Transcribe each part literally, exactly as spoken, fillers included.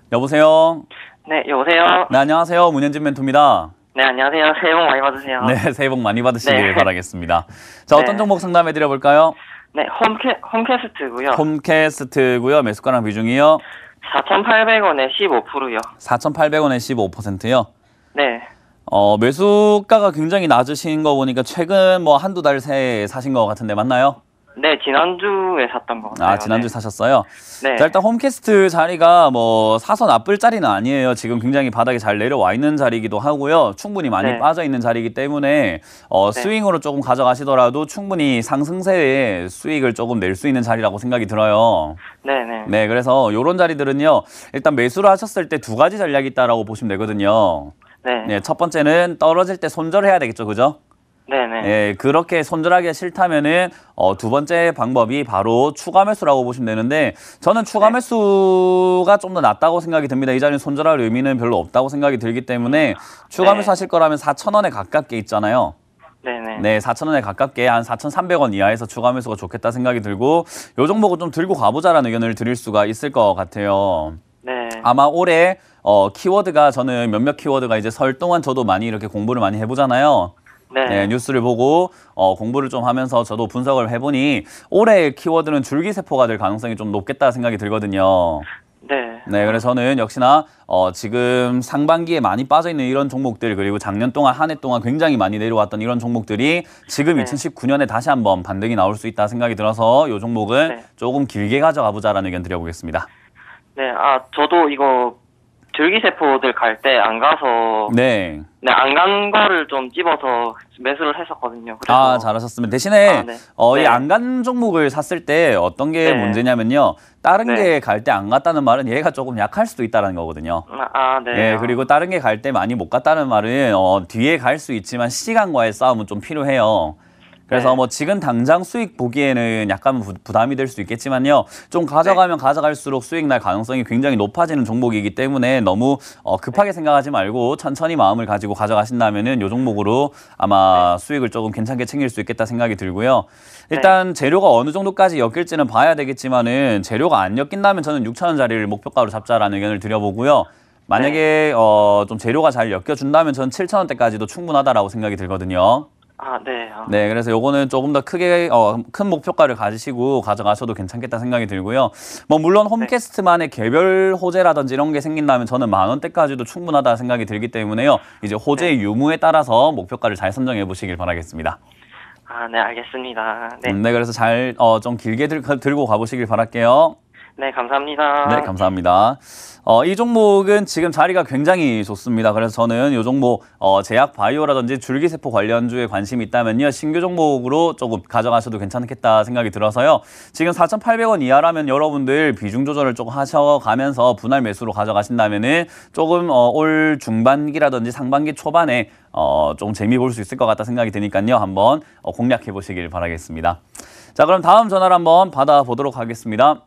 여보세요? 네, 여보세요? 네, 안녕하세요. 문현진 멘토입니다. 네, 안녕하세요. 새해 복 많이 받으세요. 네, 새해 복 많이 받으시길 네. 바라겠습니다. 자, 어떤 네. 종목 상담해 드려볼까요? 네, 홈캐, 홈캐스트고요. 홈캐스트고요. 매수가랑 비중이요? 사천팔백 원에 십오 퍼센트요. 사천팔백 원에 십오 퍼센트요? 네. 어, 매수가가 굉장히 낮으신 거 보니까 최근 뭐 한두 달 새에 사신 거 같은데 맞나요? 네, 지난주에 샀던 거 같아요. 아, 지난주에 네. 사셨어요? 네. 자, 일단 홈캐스트 자리가 뭐 사서 나쁠 자리는 아니에요. 지금 굉장히 바닥에 잘 내려와 있는 자리이기도 하고요. 충분히 많이 네. 빠져 있는 자리이기 때문에 어, 네. 스윙으로 조금 가져가시더라도 충분히 상승세에 수익을 조금 낼 수 있는 자리라고 생각이 들어요. 네, 네. 네, 그래서 이런 자리들은요. 일단 매수를 하셨을 때 두 가지 전략이 있다라고 보시면 되거든요. 네. 네, 첫 번째는 떨어질 때 손절해야 되겠죠, 그죠? 네, 네. 예, 그렇게 손절하기가 싫다면은 어, 두 번째 방법이 바로 추가 매수라고 보시면 되는데 저는 추가 네. 매수가 좀 더 낫다고 생각이 듭니다. 이 자리는 손절할 의미는 별로 없다고 생각이 들기 때문에 추가 네. 매수 하실 거라면 사천 원에 가깝게 있잖아요. 네, 네. 네, 사천 원에 가깝게 한 사천삼백 원 이하에서 추가 매수가 좋겠다 생각이 들고 요 종목은 좀 들고 가보자라는 의견을 드릴 수가 있을 것 같아요. 네. 아마 올해 어, 키워드가 저는 몇몇 키워드가 이제 설 동안 저도 많이 이렇게 공부를 많이 해보잖아요. 네. 네, 뉴스를 보고 어, 공부를 좀 하면서 저도 분석을 해보니 올해 키워드는 줄기세포가 될 가능성이 좀 높겠다 생각이 들거든요. 네. 네, 그래서 저는 역시나 어, 지금 상반기에 많이 빠져있는 이런 종목들 그리고 작년 동안 한 해 동안 굉장히 많이 내려왔던 이런 종목들이 지금 네. 이천십구 년에 다시 한번 반등이 나올 수 있다 생각이 들어서 이 종목은 네. 조금 길게 가져가 보자라는 의견 드려보겠습니다. 네, 아, 저도 이거 줄기세포들 갈 때 안 가서 네. 네, 안 간 거를 좀 집어서 매수를 했었거든요. 그래서 아, 잘하셨습니다. 대신에 아, 네. 어, 이 네. 안 간 종목을 샀을 때 어떤 게 네. 문제냐면요. 다른 네. 게 갈 때 안 갔다는 말은 얘가 조금 약할 수도 있다는 거거든요. 아, 아, 네. 예, 그리고 다른 게 갈 때 많이 못 갔다는 말은 어, 뒤에 갈 수 있지만 시간과의 싸움은 좀 필요해요. 그래서 네. 뭐 지금 당장 수익 보기에는 약간 부, 부담이 될 수 있겠지만요. 좀 가져가면 네. 가져갈수록 수익 날 가능성이 굉장히 높아지는 종목이기 때문에 너무 어, 급하게 생각하지 말고 천천히 마음을 가지고 가져가신다면은 요 종목으로 아마 네. 수익을 조금 괜찮게 챙길 수 있겠다 생각이 들고요. 일단 재료가 어느 정도까지 엮일지는 봐야 되겠지만은 재료가 안 엮인다면 저는 육천 원짜리를 목표가로 잡자라는 의견을 드려보고요. 만약에 어, 좀 재료가 잘 엮여준다면 저는 칠천 원대까지도 충분하다라고 생각이 들거든요. 아, 네. 아. 네, 그래서 요거는 조금 더 크게 어, 큰 목표가를 가지시고 가져가셔도 괜찮겠다 생각이 들고요. 뭐 물론 홈캐스트만의 개별 호재라든지 이런 게 생긴다면 저는 만 원대까지도 충분하다 생각이 들기 때문에요. 이제 호재의 네. 유무에 따라서 목표가를 잘 선정해 보시길 바라겠습니다. 아, 네, 알겠습니다. 네. 음, 네, 그래서 잘 어, 좀 길게 들, 들고 가보시길 바랄게요. 네, 감사합니다. 네, 감사합니다. 어, 이 종목은 지금 자리가 굉장히 좋습니다. 그래서 저는 이 종목 어, 제약 바이오라든지 줄기세포 관련주에 관심이 있다면요. 신규 종목으로 조금 가져가셔도 괜찮겠다 생각이 들어서요. 지금 사천팔백 원 이하라면 여러분들 비중 조절을 조금 하셔가면서 분할 매수로 가져가신다면은 조금 어, 올 중반기라든지 상반기 초반에 어, 좀 재미 볼 수 있을 것 같다 생각이 드니까요. 한번 어, 공략해 보시길 바라겠습니다. 자, 그럼 다음 전화를 한번 받아보도록 하겠습니다.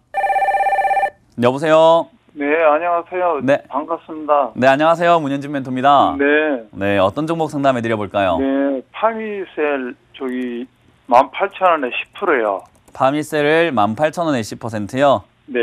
여보세요? 네, 안녕하세요. 네. 반갑습니다. 네, 안녕하세요. 문현진 멘토입니다. 네. 네, 어떤 종목 상담해 드려볼까요? 네, 파미셀 저기 만 팔천 원에 십 퍼센트요. 파미셀을 만 팔천 원에 십 퍼센트요? 네.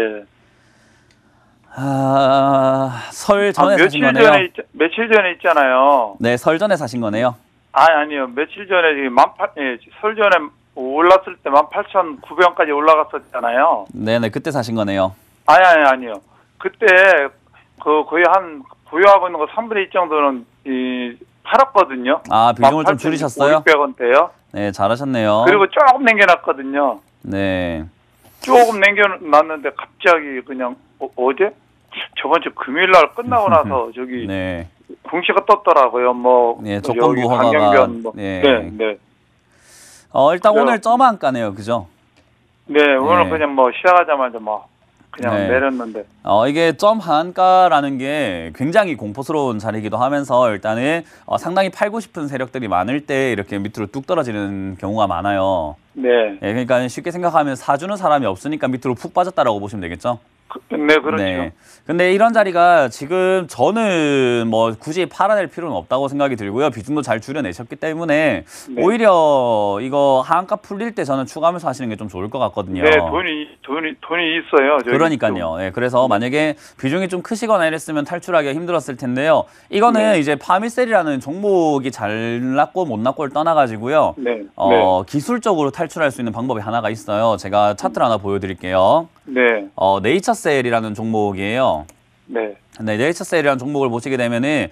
아, 설 전에 아, 사신 며칠 거네요? 전에 있, 며칠 전에 있잖아요. 네, 설 전에 사신 거네요? 아니, 아니요. 며칠 전에 지금 만 팔, 예, 설 전에 올랐을 때 만 팔천구백 원까지 올라갔었잖아요. 네네, 그때 사신 거네요? 아니, 아니, 아니요. 그때 그 거의 한 보유하고 있는 거 삼분의 이 정도는 이 팔았거든요. 아, 비중을 좀 줄이셨어요? 오백 원대요. 네, 잘하셨네요. 그리고 조금 남겨놨거든요. 네. 조금 남겨놨는데 갑자기 그냥 어, 어제? 저번 주 금요일 날 끝나고 나서 저기 네. 공시가 떴더라고요. 뭐 네, 여기 조건부 허가가. 강경변 뭐. 네. 네, 네. 어, 일단 그래요. 오늘 점한가네요, 그죠? 네, 오늘 네. 그냥 뭐 시작하자마자 뭐 그냥 네. 내렸는데. 어, 이게 점 한가라는 게 굉장히 공포스러운 자리이기도 하면서 일단은 어, 상당히 팔고 싶은 세력들이 많을 때 이렇게 밑으로 뚝 떨어지는 경우가 많아요. 네. 예, 그러니까 쉽게 생각하면 사주는 사람이 없으니까 밑으로 푹 빠졌다라고 보시면 되겠죠? 그, 네, 그렇죠. 네. 근데 이런 자리가 지금 저는 뭐 굳이 팔아낼 필요는 없다고 생각이 들고요. 비중도 잘 줄여내셨기 때문에 네. 오히려 이거 하한가 풀릴 때 저는 추가 매수 하시는 게 좀 좋을 것 같거든요. 네, 돈이 돈이 돈이 있어요. 저희 그러니까요. 네, 그래서 만약에 비중이 좀 크시거나 이랬으면 탈출하기가 힘들었을 텐데요. 이거는 네. 이제 파미셀이라는 종목이 잘 났고 못 났고를 떠나가지고요. 네. 어, 기술적으로 탈출할 수 있는 방법이 하나가 있어요. 제가 차트를 하나 보여드릴게요. 네. 어, 네이처셀이라는 종목이에요. 네. 네, 네이처셀이라는 종목을 보시게 되면은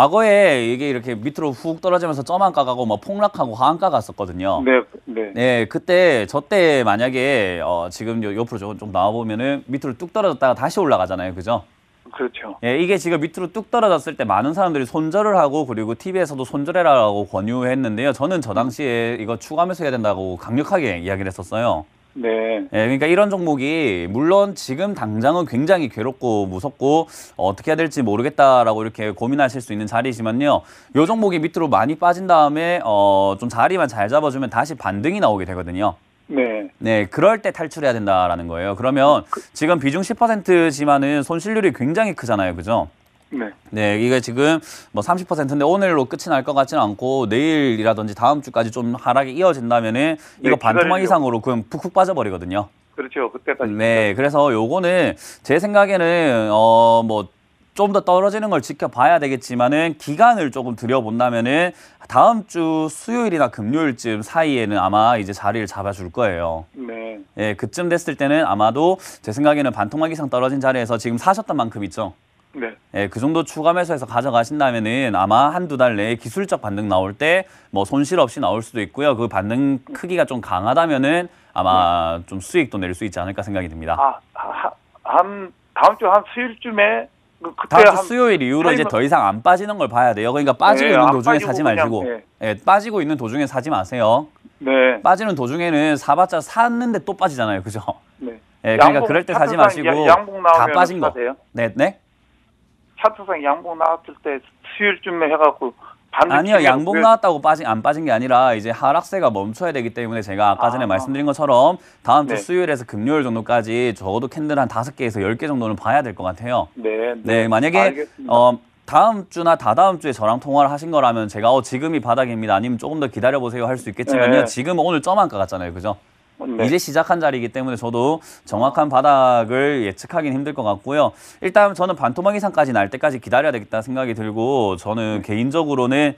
과거에 이게 이렇게 밑으로 훅 떨어지면서 점한가 가고 뭐 폭락하고 하한가 갔었거든요. 네. 네. 네, 그때 저 때 만약에 어, 지금 요 옆으로 좀, 좀 나와 보면은 밑으로 뚝 떨어졌다가 다시 올라가잖아요, 그죠? 그렇죠. 예, 이게 지금 밑으로 뚝 떨어졌을 때 많은 사람들이 손절을 하고 그리고 티비에서도 손절해라라고 권유했는데요. 저는 저 당시에 이거 추가 매수해야 된다고 강력하게 이야기를 했었어요. 네. 예, 그러니까 이런 종목이 물론 지금 당장은 굉장히 괴롭고 무섭고 어, 어떻게 해야 될지 모르겠다라고 이렇게 고민하실 수 있는 자리지만요. 이 종목이 밑으로 많이 빠진 다음에 어, 좀 자리만 잘 잡아주면 다시 반등이 나오게 되거든요. 네. 네, 그럴 때 탈출해야 된다라는 거예요. 그러면 지금 비중 십 퍼센트지만은 손실률이 굉장히 크잖아요, 그죠? 네. 네, 이게 지금 뭐 삼십 퍼센트인데 오늘로 끝이 날 것 같지는 않고 내일이라든지 다음 주까지 좀 하락이 이어진다면은 이거 네, 반토막 기다리려고. 이상으로 그냥 푹푹 빠져버리거든요. 그렇죠. 그때까지. 네, 그래서 요거는 제 생각에는 어 뭐 좀 더 떨어지는 걸 지켜봐야 되겠지만은 기간을 조금 들여본다면은 다음 주 수요일이나 금요일쯤 사이에는 아마 이제 자리를 잡아줄 거예요. 네. 예, 그쯤 됐을 때는 아마도 제 생각에는 반토막 이상 떨어진 자리에서 지금 사셨던 만큼 있죠. 네. 예, 그 정도 추가 매수해서 가져가신다면은 아마 한두 달 내에 기술적 반등 나올 때 뭐 손실 없이 나올 수도 있고요. 그 반등 크기가 좀 강하다면은 아마 좀 수익도 낼 수 있지 않을까 생각이 듭니다. 아, 하, 한 다음 주 한 수요일쯤에 그- 그때 다음 주 한 수요일 이후로 이제 타임을- 더 이상 안 빠지는 걸 봐야 돼요. 그러니까 빠지고 네, 있는 안 도중에 빠지고 사지 그냥, 마시고, 네. 예, 빠지고 있는 도중에 사지 마세요. 네. 빠지는 도중에는 사봤자 샀는데 또 빠지잖아요, 그죠? 네. 예, 그러니까 양봉, 그럴 때 사지 차트상 마시고 야- 양봉 다 나오면 빠진 거. 사세요? 네, 네. 차트상 양봉 나왔을 때 수요일쯤에 해갖고 반등 아니요, 치면 양봉 그- 나왔다고 빠진 안 빠진 게 아니라 이제 하락세가 멈춰야 되기 때문에 제가 아까 전에 아. 말씀드린 것처럼 다음 주 네. 수요일에서 금요일 정도까지 적어도 캔들 한 다섯 개에서 열 개 정도는 봐야 될 것 같아요. 네. 네, 만약에 알겠습니다. 어 다음 주나 다다음 주에 저랑 통화를 하신 거라면 제가 어 지금이 바닥입니다. 아니면 조금 더 기다려 보세요 할 수 있겠지만요. 네. 지금 오늘 점한가 같잖아요, 그죠? 네. 이제 시작한 자리이기 때문에 저도 정확한 바닥을 예측하기는 힘들 것 같고요. 일단 저는 반토막 이상까지 날 때까지 기다려야 되겠다 생각이 들고 저는 개인적으로는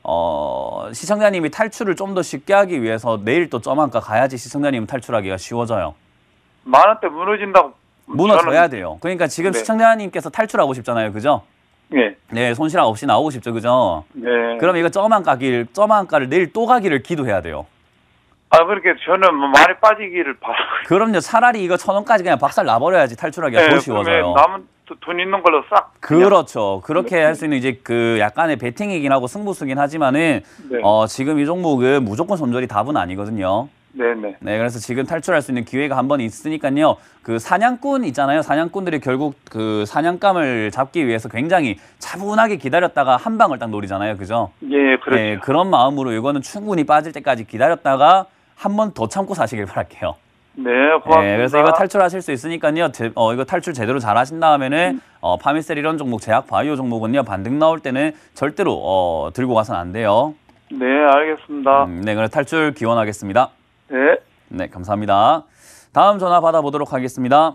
어, 시청자님이 탈출을 좀 더 쉽게 하기 위해서 내일 또 점한가 가야지 시청자님 탈출하기가 쉬워져요. 만 원대 무너진다고 무너져야 저는- 돼요. 그러니까 지금 네. 시청자님께서 탈출하고 싶잖아요, 그죠? 네. 네, 손실함 없이 나오고 싶죠, 그죠? 네. 그럼 이거 점한가길, 점한가를 내일 또 가기를 기도해야 돼요. 아 그렇게 저는 뭐 많이 빠지기를 바라고. 그럼요, 차라리 이거 천 원까지 그냥 박살 나버려야지 탈출하기가 더 쉬워져요. 그러면 남은 도- 돈 있는 걸로 싹. 그냥- 그렇죠. 그렇게 할 수 있는 이제 그 약간의 베팅이긴 하고 승부수긴 하지만은 네. 어, 지금 이 종목은 무조건 손절이 답은 아니거든요. 네네. 네, 그래서 지금 탈출할 수 있는 기회가 한 번 있으니까요. 그 사냥꾼 있잖아요. 사냥꾼들이 결국 그 사냥감을 잡기 위해서 굉장히 차분하게 기다렸다가 한 방을 딱 노리잖아요. 그죠? 예, 그렇죠. 네, 그런 마음으로 이거는 충분히 빠질 때까지 기다렸다가 한 번 더 참고 사시길 바랄게요. 네, 고맙습니다. 네, 그래서 이거 탈출하실 수 있으니까요. 제, 어, 이거 탈출 제대로 잘 하신 다음에는 어, 파미셀 이런 종목, 제약 바이오 종목은요. 반등 나올 때는 절대로 어, 들고 가서는 안 돼요. 네, 알겠습니다. 음, 네, 그래서 탈출 기원하겠습니다. 네. 네, 감사합니다. 다음 전화 받아보도록 하겠습니다.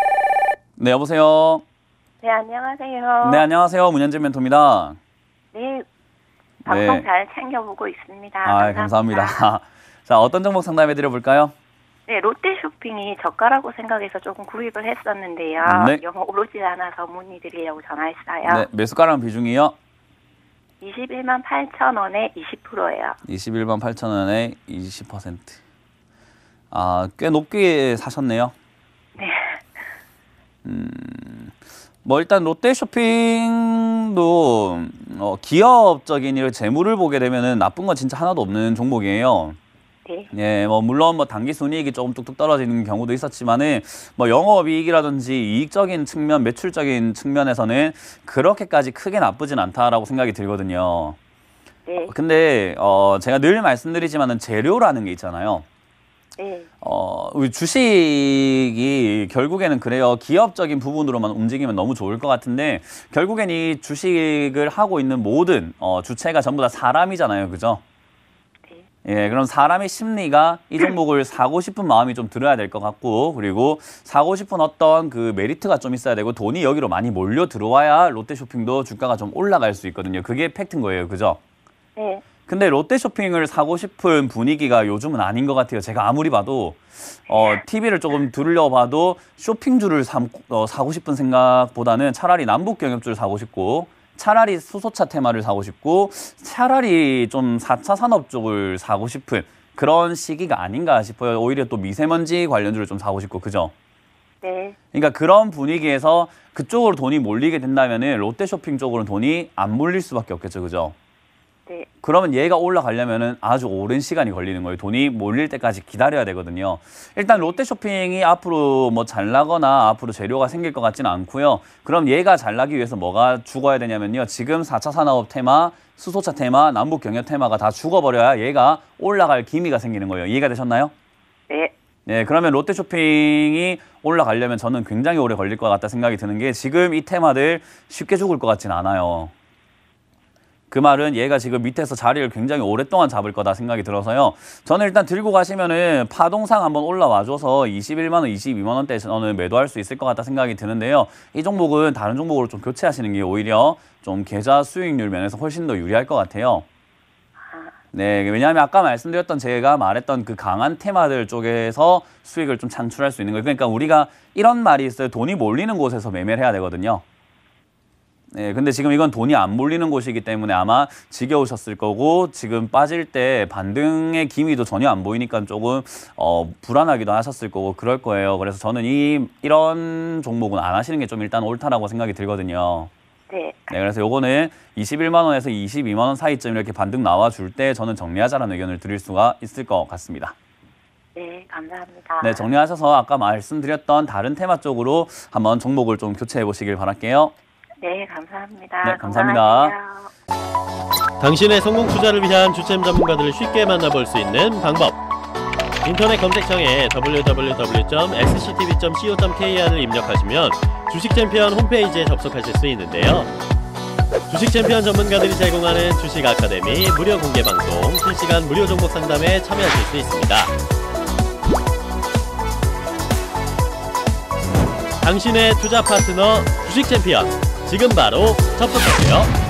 네, 여보세요. 네, 안녕하세요. 네, 안녕하세요. 문현재 멘토입니다. 네, 방송 네. 잘 챙겨보고 있습니다. 아, 감사합니다. 자, 어떤 종목 상담해 드려볼까요? 네, 롯데쇼핑이 저가라고 생각해서 조금 구입을 했었는데요. 네. 영어 오르지 않아서 문의드리려고 전화했어요. 네, 매수가랑 비중이요. 이십일만 팔천 원에 이십 퍼센트예요. 이십일만 팔천 원에 이십 퍼센트. 아, 꽤 높게 사셨네요. 네. 뭐 일단 롯데쇼핑도 어, 기업적인 이런 재물을 보게 되면은 나쁜 건 진짜 하나도 없는 종목이에요. 네. 예, 뭐 물론 뭐 단기 순이익이 조금 뚝뚝 떨어지는 경우도 있었지만은 뭐 영업이익이라든지 이익적인 측면, 매출적인 측면에서는 그렇게까지 크게 나쁘진 않다라고 생각이 들거든요. 네. 근데 어 제가 늘 말씀드리지만은 재료라는 게 있잖아요. 네. 어, 우리 주식이 결국에는 그래요. 기업적인 부분으로만 움직이면 너무 좋을 것 같은데 결국엔 이 주식을 하고 있는 모든 어, 주체가 전부 다 사람이잖아요. 그죠? 예, 그럼 사람의 심리가 이 종목을 사고 싶은 마음이 좀 들어야 될 것 같고, 그리고 사고 싶은 어떤 그 메리트가 좀 있어야 되고, 돈이 여기로 많이 몰려 들어와야 롯데쇼핑도 주가가 좀 올라갈 수 있거든요. 그게 팩트인 거예요. 그죠? 네. 근데 롯데쇼핑을 사고 싶은 분위기가 요즘은 아닌 것 같아요. 제가 아무리 봐도, 어, 티비를 조금 둘러봐도 쇼핑주를 사, 어, 사고 싶은 생각보다는 차라리 남북경협주를 사고 싶고, 차라리 수소차 테마를 사고 싶고 차라리 좀 사 차 산업 쪽을 사고 싶은 그런 시기가 아닌가 싶어요. 오히려 또 미세먼지 관련주를 좀 사고 싶고 그죠? 네. 그러니까 그런 분위기에서 그쪽으로 돈이 몰리게 된다면은 롯데쇼핑 쪽으로는 돈이 안 몰릴 수밖에 없겠죠. 그죠? 네. 그러면 얘가 올라가려면은 아주 오랜 시간이 걸리는 거예요. 돈이 몰릴 때까지 기다려야 되거든요. 일단 롯데쇼핑이 앞으로 뭐 잘 나거나 앞으로 재료가 생길 것 같지는 않고요. 그럼 얘가 잘 나기 위해서 뭐가 죽어야 되냐면요. 지금 사 차 산업 테마, 수소차 테마, 남북 경협 테마가 다 죽어버려야 얘가 올라갈 기미가 생기는 거예요. 이해가 되셨나요? 네. 네, 그러면 롯데쇼핑이 올라가려면 저는 굉장히 오래 걸릴 것 같다 생각이 드는 게 지금 이 테마들 쉽게 죽을 것 같진 않아요. 그 말은 얘가 지금 밑에서 자리를 굉장히 오랫동안 잡을 거다 생각이 들어서요. 저는 일단 들고 가시면은 파동상 한번 올라와줘서 이십일만 원, 이십이만 원대에 저는 매도할 수 있을 것 같다 생각이 드는데요. 이 종목은 다른 종목으로 좀 교체하시는 게 오히려 좀 계좌 수익률 면에서 훨씬 더 유리할 것 같아요. 네, 왜냐하면 아까 말씀드렸던 제가 말했던 그 강한 테마들 쪽에서 수익을 좀 창출할 수 있는 거예요. 그러니까 우리가 이런 말이 있어요. 돈이 몰리는 곳에서 매매를 해야 되거든요. 네, 근데 지금 이건 돈이 안 몰리는 곳이기 때문에 아마 지겨우셨을 거고 지금 빠질 때 반등의 기미도 전혀 안 보이니까 조금 어, 불안하기도 하셨을 거고 그럴 거예요. 그래서 저는 이 이런 종목은 안 하시는 게 좀 일단 옳다라고 생각이 들거든요. 네. 네, 그래서 요거는 이십일만 원에서 이십이만 원 사이쯤 이렇게 반등 나와줄 때 저는 정리하자라는 의견을 드릴 수가 있을 것 같습니다. 네, 감사합니다. 네, 정리하셔서 아까 말씀드렸던 다른 테마 쪽으로 한번 종목을 좀 교체해 보시길 바랄게요. 네, 감사합니다. 네, 감사합니다. 건강하세요. 당신의 성공 투자를 위한 주템 전문가들을 쉽게 만나볼 수 있는 방법. 인터넷 검색창에 더블유 더블유 더블유 점 엑스 씨 티 비 점 씨 오 점 케이 알을 입력하시면 주식 챔피언 홈페이지에 접속하실 수 있는데요. 주식 챔피언 전문가들이 제공하는 주식 아카데미 무료 공개 방송, 실시간 무료 종목 상담에 참여하실 수 있습니다. 당신의 투자 파트너 주식 챔피언, 지금 바로 접속하세요.